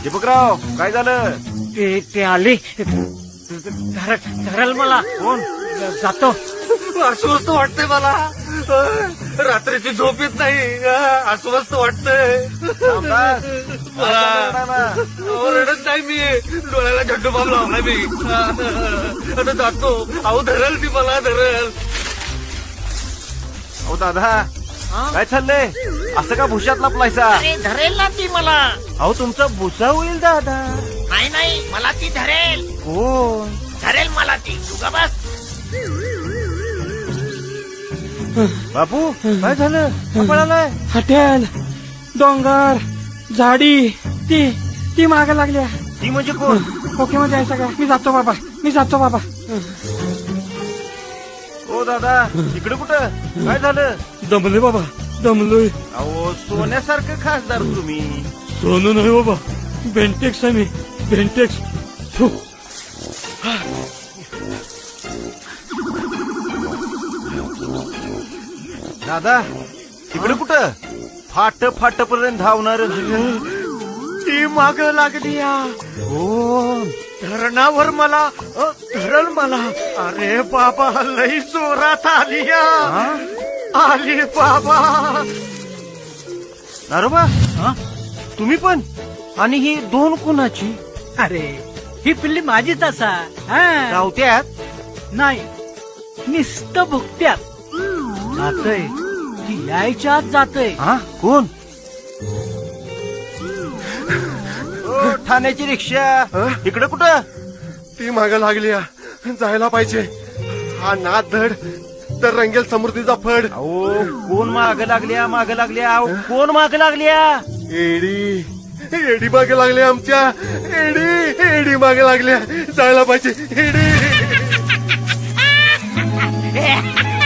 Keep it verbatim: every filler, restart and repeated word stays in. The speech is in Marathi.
दीपकराव काय झालं? ते ते आले धर धरल मला. कोण? जातो. अस्वस्थ वाटतंय मला. रात्रीची झोप येत नाही. अस्वस्थ वाटतंय रामदास, मला. काय झालं रडायला? अहो, रडत नाही मी. डोळ्याला झड्डू बाम लावला मी. आता जातो. अहो धरल ती मला धरल. अहो दादा काय चाललंय? असं का भुशात लपलायचा? अरे धरेल ना ती मला. अहो तुमचा भुसा होईल दादा. नाही नाही मला ती धरेल. कोण? धरेल मला ती. तू का बस. बापू काय झालं? का पळालाय? हॉटेल डोंगर झाडी ती ती माग लागल्या. ती म्हणजे कोण? ओके मध्ये आहे सगळं. मी जातो बाबा. मी जातो बाबा. ओ दादा इकडे कुठं? काय झालं? दमलोय बाबा. दमलोय. अहो सोन्यासारखं खासदार तुम्ही. सोनू नाही बाबा. बेंटेक्स आहे मी. बेंटेक्स. फु. दादा तिकडे कुठं? फाट फाट पर्यंत धावणार ती माग लागली. कोण? धरणावर मला अ, धरल मला. अरे बाबा लई जोरात आली या. आली बाबा. नारोबा तुम्ही पण? आणि ही दोन कुणाची? अरे ही पिल्ली माझीच असा. हा. रावत्यात नाही निस्त भुकत्यात जातय. ती यायच्या आत जातय. हा कोण? ओ, ठाण्याची रिक्षा इकडे कुठं? ती माग लागली. जायला पाहिजे. हा नाद धड तर रंगेल समृद्धीचा फड. अहो कोण माग लागल्या? माग लागल्या? अहो, कोण माग लागल्या? एडी एडी मागे लागले आमच्या. एडी एडी मागे लागल्या. जायला पाहिजे. एडी